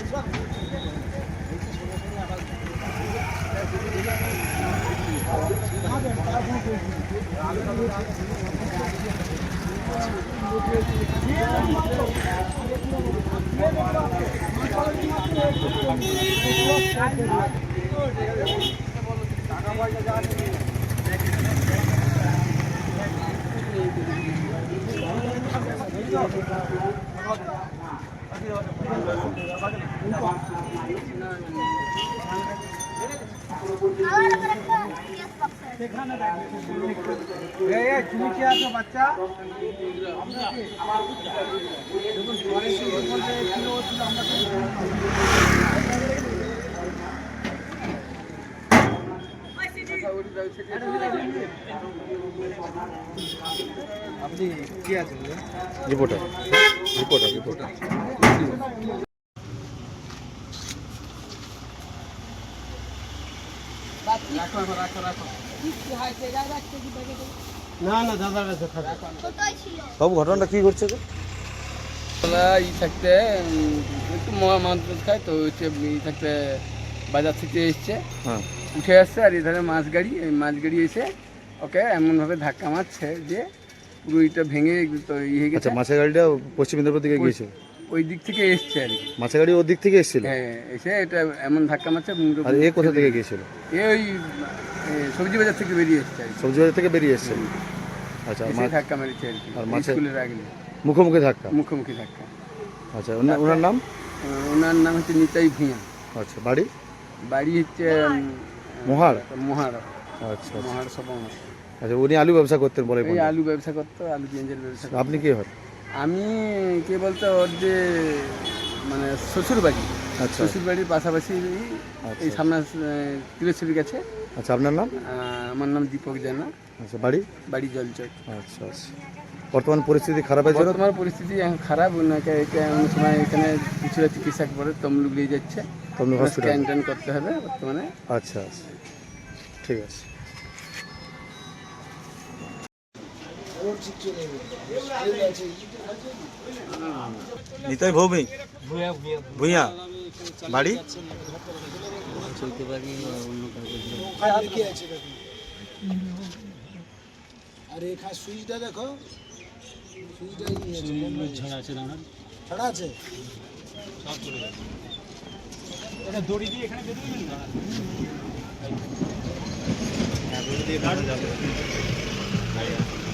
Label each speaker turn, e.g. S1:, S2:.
S1: তুমি কি আছো বাচ্চা? আপনি কি আছেন?
S2: রিপোর্টার রিপোর্টার রিপোর্টার
S1: না না দাদা
S2: বাবু ঘটনাটা কি ঘটছে গো?
S3: ই থাকতে একটু মাছ খায় তো হচ্ছে ই থাকতে বাজার থেকে এসছে,
S2: হ্যাঁ
S3: উঠে আসছে আর এধারে মাছ গাড়ি এসে ওকে এমনভাবে ধাক্কা মারছে যে পুরো ইটা ভেঙে তো হয়ে গেছে।
S2: আচ্ছা, মাছের গাড়িটা পশ্চিম মেদিনীপুর দিকে গিয়েছিল?
S3: ওই দিক থেকে এসছে আর কি।
S2: মাছের গাড়ি ওর দিক থেকে এসেছিল?
S3: হ্যাঁ, এসে এটা এমন ধাক্কা মারছে।
S2: আর এ কোথা থেকে গিয়েছিল?
S3: ওই সবজি বাজার থেকে বেরিয়ে এসছে আর কি।
S2: সবজি বাজার থেকে বেরিয়ে এসেছিল। আচ্ছা,
S3: ধাক্কা মারছে আর কি।
S2: আর মাছের
S3: স্কুলের আগে
S2: মুখোমুখি ধাক্কা?
S3: মুখোমুখি ধাক্কা।
S2: আচ্ছা, ওনার নাম?
S3: ওনার নাম হচ্ছে নিতাই ভূঁইয়া।
S2: আচ্ছা, বাড়ি?
S3: বাড়ি হচ্ছে
S2: মহাড়। আচ্ছা
S3: মহাড় সবঙ্গ।
S2: আচ্ছা, উনি আলু ব্যবসা করতেন বলে?
S3: এই আলু ব্যবসা করতো, আলু পেঁয়াজের ব্যবসা করতো।
S2: আপনি কি হয়?
S3: আমি কে বলতো ওর যে মানে শ্বশুর বাড়ি।
S2: আচ্ছা,
S3: শ্বশুর বাড়ির পাশাপাশি এই সামনে তিলেশ্বরী গেছে।
S2: আচ্ছা, আপনার নাম?
S3: আমার নাম দীপক জানা।
S2: আচ্ছা, বাড়ি?
S3: বাড়ি জলচক।
S2: আচ্ছা আচ্ছা, বর্তমান পরিস্থিতি খারাপের জন্য?
S3: বর্তমান পরিস্থিতি এখন খারাপ। ওনাকে এমন সময় এখানে কিছুটা চিকিৎসা করে তমলুক নিয়ে যাচ্ছে।
S2: তমলুক হসপিটাল
S3: স্ক্যান করতে হবে বর্তমানে।
S2: আচ্ছা আচ্ছা, ঠিক আছে। নিতাই ভৌমিক ভূঁইয়া, বাড়ি?
S1: আর এখানে সুইচটা দেখো, সুইচটা ছাড়া আছে। এটা দড়ি দিয়ে এখানে বেরিয়ে যাবে।